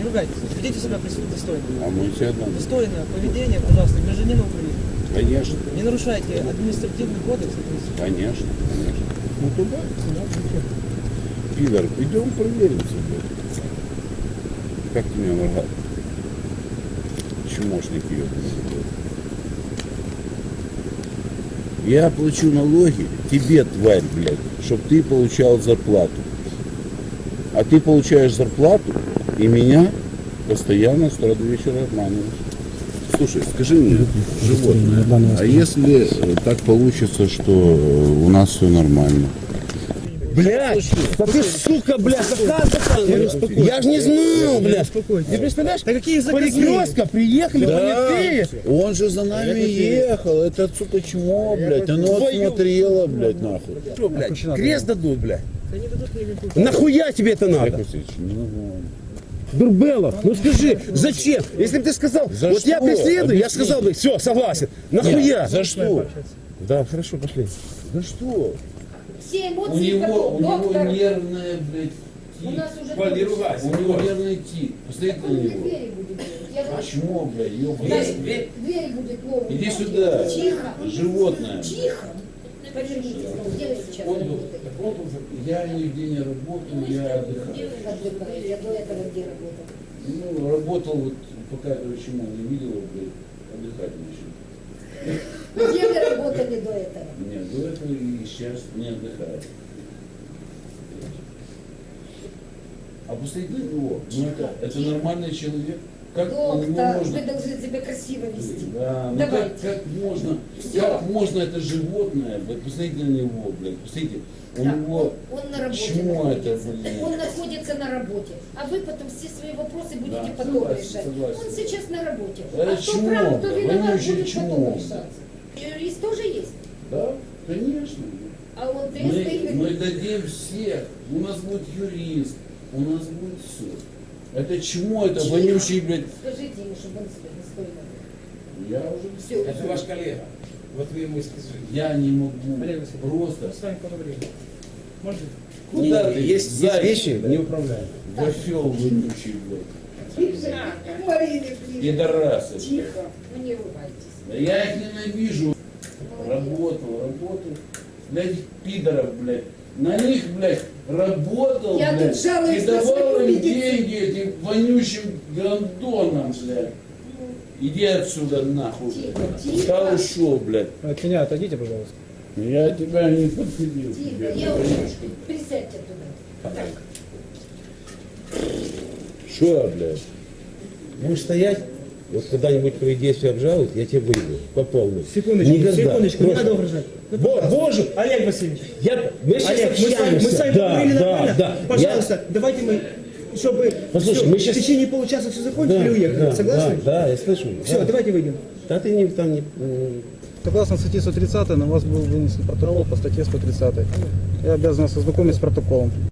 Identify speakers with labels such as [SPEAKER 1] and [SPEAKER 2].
[SPEAKER 1] ругайтесь. Ведите себя достойно.
[SPEAKER 2] А мы все одно.
[SPEAKER 1] Достойное поведение, пожалуйста, гражданина Украины.
[SPEAKER 2] Конечно.
[SPEAKER 1] Не нарушайте административный кодекс.
[SPEAKER 2] Конечно, конечно. Ну туда, пидор, идем проверимся, блядь. Как ты меня нагадал? Чмошник ее. Я плачу налоги тебе, тварь, блядь, чтобы ты получал зарплату. А ты получаешь зарплату и меня постоянно с утра до вечера обманываешь. Слушай, скажи мне, животное, а если так получится, что у нас все нормально?
[SPEAKER 3] Блядь, да ты, сука, блядь, я ж не знал, блядь.
[SPEAKER 1] Ты представляешь? Да какие заказные?
[SPEAKER 3] Перекрестка, приехали понятые.
[SPEAKER 2] Он же за нами ехал, это, сука, чмо, блядь, оно отсмотрело, блядь, нахуй.
[SPEAKER 3] Что, блядь, крест дадут, блядь.
[SPEAKER 1] Да не дадут мне никакую.
[SPEAKER 3] Нахуя тебе это надо?
[SPEAKER 2] Ну,
[SPEAKER 3] Дурбелов, ну скажи, зачем? Если бы ты сказал,
[SPEAKER 2] За
[SPEAKER 3] вот
[SPEAKER 2] что?
[SPEAKER 3] я преследую, я
[SPEAKER 2] Объясни.
[SPEAKER 3] сказал бы, все, согласен. Нахуя?
[SPEAKER 2] За что?
[SPEAKER 3] Да, хорошо, пошли.
[SPEAKER 2] За что?
[SPEAKER 4] Все
[SPEAKER 2] У
[SPEAKER 4] эмоции потом.
[SPEAKER 2] него
[SPEAKER 4] Доктор,
[SPEAKER 2] нервная, блядь,
[SPEAKER 4] у
[SPEAKER 2] тик.
[SPEAKER 4] нас уже
[SPEAKER 2] У него нервный тик. Посмотрите на него.
[SPEAKER 4] двери будет делать. Я
[SPEAKER 2] А
[SPEAKER 4] говорю,
[SPEAKER 2] чмо, блядь, ёбаный.
[SPEAKER 4] дверь будет новая.
[SPEAKER 2] Иди сюда,
[SPEAKER 4] Тихо.
[SPEAKER 2] животное.
[SPEAKER 4] Тихо. Повернитесь. Где вы сейчас работаете?
[SPEAKER 2] Я нигде не работаю, я отдыхаю.
[SPEAKER 4] Отдыхаете. Я до этого где работал?
[SPEAKER 2] Ну, работал вот, пока этого чмо не видел, блядь, отдыхать начал.
[SPEAKER 4] Где вы работали до этого?
[SPEAKER 2] Нет, до этого и сейчас не отдыхаю. А посмотрите на него, ну это нормальный человек. Как у него
[SPEAKER 4] Доктор,
[SPEAKER 2] можно...
[SPEAKER 4] вы должны себя красиво вести.
[SPEAKER 2] Да, ну
[SPEAKER 4] Давайте.
[SPEAKER 2] как можно это животное, блядь, посмотрите на него, блядь, посмотрите, у
[SPEAKER 4] Да,
[SPEAKER 2] него
[SPEAKER 4] он на работе
[SPEAKER 2] чмо это,
[SPEAKER 4] находится.
[SPEAKER 2] блядь.
[SPEAKER 4] Он находится на работе. А вы потом все свои вопросы будете
[SPEAKER 2] Да,
[SPEAKER 4] потом
[SPEAKER 2] согласен,
[SPEAKER 4] решать.
[SPEAKER 2] согласен.
[SPEAKER 4] Он сейчас на работе.
[SPEAKER 2] Это
[SPEAKER 4] А кто
[SPEAKER 2] чмо,
[SPEAKER 4] прав, кто
[SPEAKER 2] да,
[SPEAKER 4] виноват,
[SPEAKER 2] вонючее
[SPEAKER 4] будет
[SPEAKER 2] чмо,
[SPEAKER 4] потом
[SPEAKER 2] да.
[SPEAKER 4] решаться. Юрист тоже есть?
[SPEAKER 2] Да, конечно.
[SPEAKER 4] А он тесты
[SPEAKER 2] Мы дадим всех, у нас будет юрист, у нас будет суд. Это чмо, это вонючий, блядь.
[SPEAKER 4] Скажите ему, чтобы он себя достойно вел.
[SPEAKER 2] Я уже
[SPEAKER 4] Все.
[SPEAKER 5] Это ваш коллега. Вот вы ему и скажите.
[SPEAKER 2] Я не могу
[SPEAKER 1] Олег Васильевич,
[SPEAKER 2] просто.
[SPEAKER 1] мы с вами поговорим. Можете?
[SPEAKER 2] Куда ты?
[SPEAKER 3] Есть
[SPEAKER 2] Зайчик,
[SPEAKER 3] вещи,
[SPEAKER 2] блядь?
[SPEAKER 3] не управляем.
[SPEAKER 2] Вафел вонючий, блядь.
[SPEAKER 4] Марина,
[SPEAKER 2] Пидорасы.
[SPEAKER 4] тихо. Ну не ругайтесь.
[SPEAKER 2] Да я их ненавижу. Работал. Для этих пидоров, блядь. На них, блядь, работал,
[SPEAKER 4] Я
[SPEAKER 2] блядь.
[SPEAKER 4] тут жалуюсь
[SPEAKER 2] И
[SPEAKER 4] на
[SPEAKER 2] давал
[SPEAKER 4] свою
[SPEAKER 2] им
[SPEAKER 4] медицину.
[SPEAKER 2] деньги этим вонючим гандонам, блядь. Иди отсюда, нахуй.
[SPEAKER 4] Тихо.
[SPEAKER 2] Я ушел, блядь.
[SPEAKER 1] От меня отойдите, пожалуйста.
[SPEAKER 2] Я тебя не подпилил.
[SPEAKER 4] Тихо.
[SPEAKER 2] тебе,
[SPEAKER 4] Я уже.
[SPEAKER 2] вонючка.
[SPEAKER 4] Присядьте туда. Так.
[SPEAKER 2] Что, блядь?
[SPEAKER 3] Будешь стоять, вот когда-нибудь твои действия обжалуют, я тебе выйду по полной.
[SPEAKER 1] Секундочку,
[SPEAKER 3] Никогда.
[SPEAKER 1] секундочку, не
[SPEAKER 3] Просто.
[SPEAKER 1] надо угрожать. Ну, пожалуйста.
[SPEAKER 3] Боже,
[SPEAKER 1] Олег Васильевич,
[SPEAKER 3] мы сейчас
[SPEAKER 1] Олег, мы
[SPEAKER 3] общаемся.
[SPEAKER 1] с вами
[SPEAKER 3] Да,
[SPEAKER 1] поговорили нормально?
[SPEAKER 3] да.
[SPEAKER 1] Пожалуйста, давайте мы, чтобы
[SPEAKER 3] Послушай,
[SPEAKER 1] всё,
[SPEAKER 3] мы щас-
[SPEAKER 1] в течение получаса все закончили и уехали.
[SPEAKER 3] Да,
[SPEAKER 1] Согласны?
[SPEAKER 3] да, я слышу.
[SPEAKER 1] Все,
[SPEAKER 3] да.
[SPEAKER 1] давайте выйдем.
[SPEAKER 3] Да ты не, там не...
[SPEAKER 6] Согласно статье 130 на вас был вынесен протокол по статье 130. Я обязан вас ознакомить с протоколом.